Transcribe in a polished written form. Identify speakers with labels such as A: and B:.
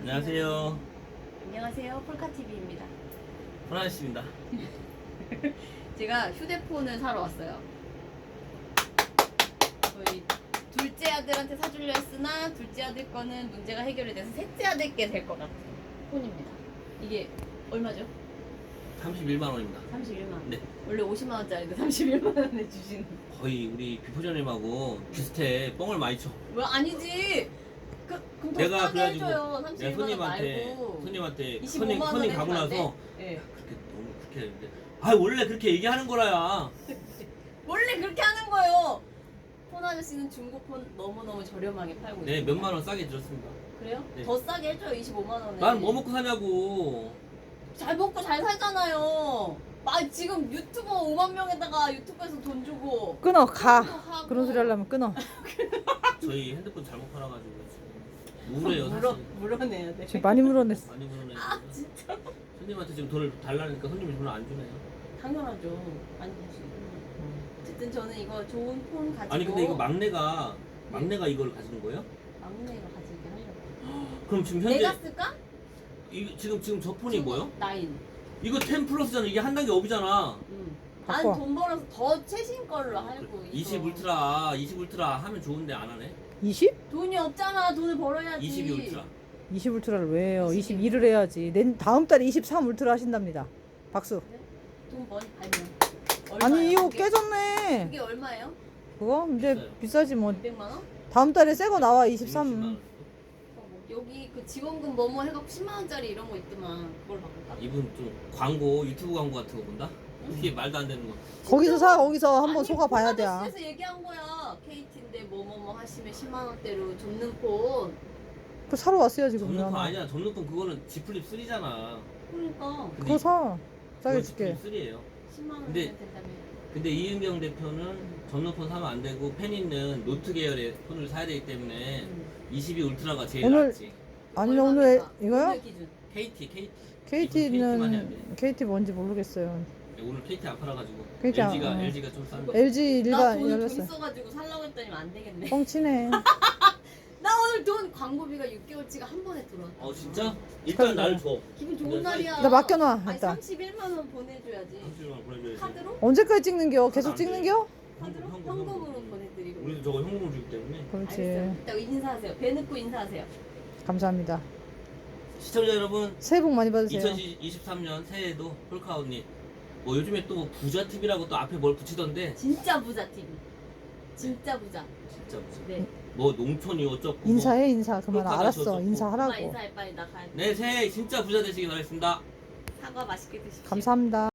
A: 안녕하세요.
B: 안녕하세요. 폴카TV입니다.
A: 호나씨입니다.
B: 제가 휴대폰을 사러 왔어요. 저희 둘째 아들한테 사주려 했으나 둘째 아들 거는 문제가 해결이 돼서 셋째 아들께 될 것 같은 폰입니다. 이게 얼마죠?
A: 31만 원입니다.
B: 31만 원.
A: 네.
B: 원래 50만 원짜리인데 31만 원에 주시는.
A: 거의 우리 비포전님하고 비슷해. 뻥을 많이 쳐.
B: 왜 아니지? 그럼 더
A: 내가
B: 싸게
A: 그래가지고
B: 해줘요.
A: 내가
B: 31만 원 말고.
A: 손님한테
B: 25만 원에
A: 손님 가고
B: 해주면 안
A: 나서
B: 돼? 네.
A: 그렇게 너무 그렇게 했는데 원래 그렇게 얘기하는 거라야.
B: 원래 그렇게 하는 거예요. 폰 아저씨는 중고폰 너무너무 저렴하게 팔고 있어요.
A: 네, 몇만 원 싸게 들었습니다.
B: 그래요?
A: 네.
B: 더 싸게 해줘요. 25만 원에.
A: 난 뭐 먹고 사냐고.
B: 잘 먹고 잘 살잖아요. 지금 유튜버 5만 명에다가 유튜브에서 돈 주고
C: 끊어 가.
B: 하고.
C: 그런 소리 하려면 끊어.
A: 저희 핸드폰 잘못 팔아가지고 지금 우울해요 사실.
B: 물어내야 돼.
C: 지금 많이 물어냈어.
A: 많이 물어내요.
B: 진짜?
A: 손님한테 지금 돈을 달라니까 손님이 돈을 안 주네요.
B: 당연하죠. 안 되지. 어쨌든 저는 이거 좋은 폰 가지고.
A: 아니 근데 이거 막내가 이걸 가지는 거예요?
B: 막내가 가지게 하려고.
A: 그럼 지금 현재
B: 내가 쓸까?
A: 지금 저 폰이 뭐요?
B: 9.
A: 이거 10 플러스잖아. 이게 한 단계 업이잖아.
B: 난
C: 바꿔.
B: 돈 벌어서 더 최신 걸로 하려고.
A: 20 울트라 하면 좋은데 안 하네.
C: 20?
B: 돈이 없잖아. 돈을 벌어야지.
A: 22 울트라.
C: 20 울트라를 왜 해요?
B: 22.
C: 22를 해야지. 다음 달에 23 울트라 하신답니다. 박수.
B: 돈 많이 벌면.
C: 아니 이거
B: 그게?
C: 깨졌네.
B: 그게 얼마예요?
C: 그거? 근데
A: 비싸요.
C: 비싸지 뭐.
B: 200만 원?
C: 다음 달에 새 거 나와
A: 60만
C: 23.
A: 원.
B: 여기 그 지원금 뭐뭐 해갖고 10만 원짜리 이런 거 있더만 그걸 바꿀까?
A: 이분 좀 광고 유튜브 광고 같은 거 본다? 이게 말도 안 되는 거.
C: 거기서 사. 거기서 한번
B: 아니,
C: 속아 봐야 돼.
B: 그래서 얘기한 거야. KT인데 뭐뭐뭐 하시면 10만 원대로 줬는 폰.
C: 그 사러 왔어요 지금.
A: 접는 폰
C: 미안해.
A: 아니야. 접는 폰 그거는 G 플립 3잖아.
B: 그러니까
C: 그거 사. 싸게 줄게.
A: 3예요.
B: 10만 원
A: 근데-
B: 되면 된다며.
A: 근데 이은경 대표는 접는 폰 사면 안 되고 팬 있는 노트 계열의 폰을 사야 되기 때문에 22 울트라가 제일
C: 오늘-
A: 낫지.
C: 아니면 오늘
B: 얼마입니까?
C: 이거요?
B: 오늘 기준.
A: KT.
C: KT는
A: 해야 돼.
C: KT 뭔지 모르겠어요.
A: 오늘 KT 안 팔아가지고
C: KT 안-
A: LG가 좀 싼데.
C: LG
B: 나
C: 일반
B: 돈을 좀
C: 열렸어요.
B: 있어가지고 살라고 했더니 안 되겠네.
C: 뻥치네.
B: 나 오늘 돈 광고비가 6개월치가 한 번에 들어왔다.
A: 진짜? 일단 날 줘.
B: 기분 좋은 날이야.
C: 나 맡겨놔,
B: 아니
C: 일단.
B: 31만 원 보내줘야지.
A: 30만 보내줘야지.
B: 카드로?
C: 언제까지 찍는겨? 계속
A: 안 돼.
C: 찍는겨?
B: 카드로?
A: 현금.
B: 현금으로 보내드리고.
A: 우리도 저거 현금으로 주기 때문에.
C: 그렇지.
B: 알겠어요. 이따 인사하세요. 배 넣고 인사하세요.
C: 감사합니다.
A: 시청자 여러분,
C: 새해 복 많이 받으세요.
A: 2023년 새해에도 폴카언니 뭐 요즘에 또 부자 TV라고 또 앞에 뭘 붙이던데
B: 진짜 부자 TV. 진짜 부자.
A: 진짜 부자.
B: 네.
A: 뭐 농촌이 어쩌고
C: 인사해 인사. 그만
A: 폴카가
C: 알았어.
A: 저쩌고.
B: 엄마
C: 인사하라고.
B: 인사해 빨리 나 가야 돼.
A: 네 새해 진짜 부자 되시길 바라겠습니다.
B: 사과 맛있게 드십시오.
C: 감사합니다.